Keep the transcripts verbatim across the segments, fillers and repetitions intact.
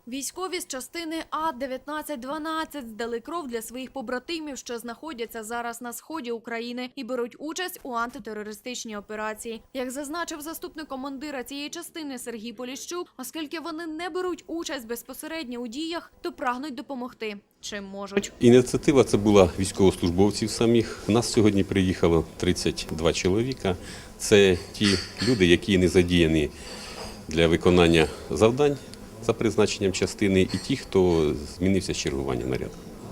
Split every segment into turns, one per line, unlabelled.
Військові з частини А дев'ятнадцять дванадцять здали кров для своїх побратимів, що знаходяться зараз на сході України і беруть участь у антитерористичній операції. Як зазначив заступник командира цієї частини Сергій Поліщук, оскільки вони не беруть участь безпосередньо у діях, то прагнуть допомогти, чим можуть.
Ініціатива це була військовослужбовців самих. У нас сьогодні приїхало тридцять два чоловіка. Це ті люди, які не задіяні для виконання завдань за призначенням частини, і ті, хто змінився з чергування наряду.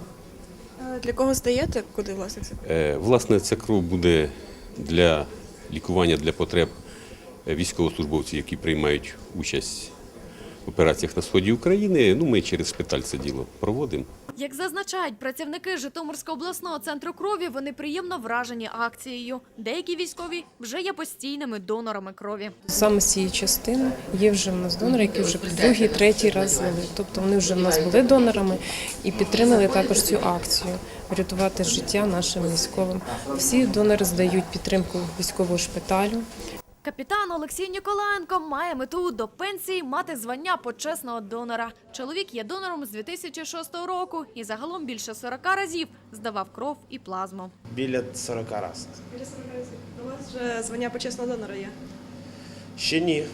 Для кого здаєте? Куди, власне, це?
Е, Власне, ця кров буде для лікування, для потреб військовослужбовців, які приймають участь в операціях на сході України. Ну, ми через шпиталь це діло проводимо.
Як зазначають працівники Житомирського обласного центру крові, вони приємно вражені акцією. Деякі військові вже є постійними донорами крові.
Саме з цієї частини є вже в нас донори, які вже другий, третій раз здали. Тобто вони вже в нас були донорами і підтримали також цю акцію – врятувати життя нашим військовим. Всі донори здають підтримку військового шпиталю.
Капітан Олексій Ніколаєнко має мету до пенсії мати звання почесного донора. Чоловік є донором з дві тисячі шостого року і загалом більше сорока разів здавав кров і плазму.
Біля сорока разів.
Біля сорока разів. У вас вже звання почесного донора є?
Ще ні.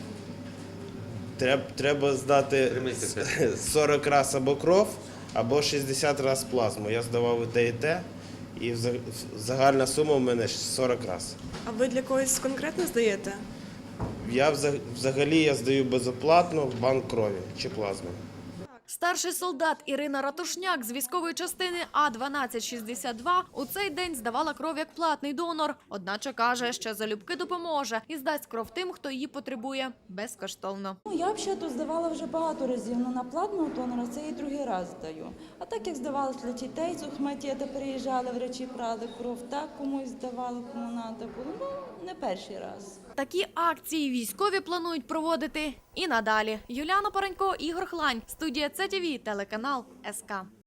Треба, треба здати сорок разів або кров, або шістдесят разів плазму. Я здавав і те, і те. І загальна сума у мене сорок разів.
А ви для когось конкретно здаєте?
Я взагалі я здаю безоплатно в банк крові чи плазми.
Старший солдат Ірина Ратушняк з військової частини А дванадцять шістдесят два у цей день здавала кров як платний донор. Одначе каже, що залюбки допоможе і здасть кров тим, хто її потребує, безкоштовно.
Ну, я взагалі здавала вже багато разів, але на платного донора це і другий раз здаю. А так як здавалось для дітей з Ухматєта, приїжджали, врачі брали кров, так комусь здавали, кому треба було, ну не перший раз.
Такі акції військові планують проводити і надалі. Юліана Паренько, Ігор Хлань, студія Це ТВ, телеканал ес ка.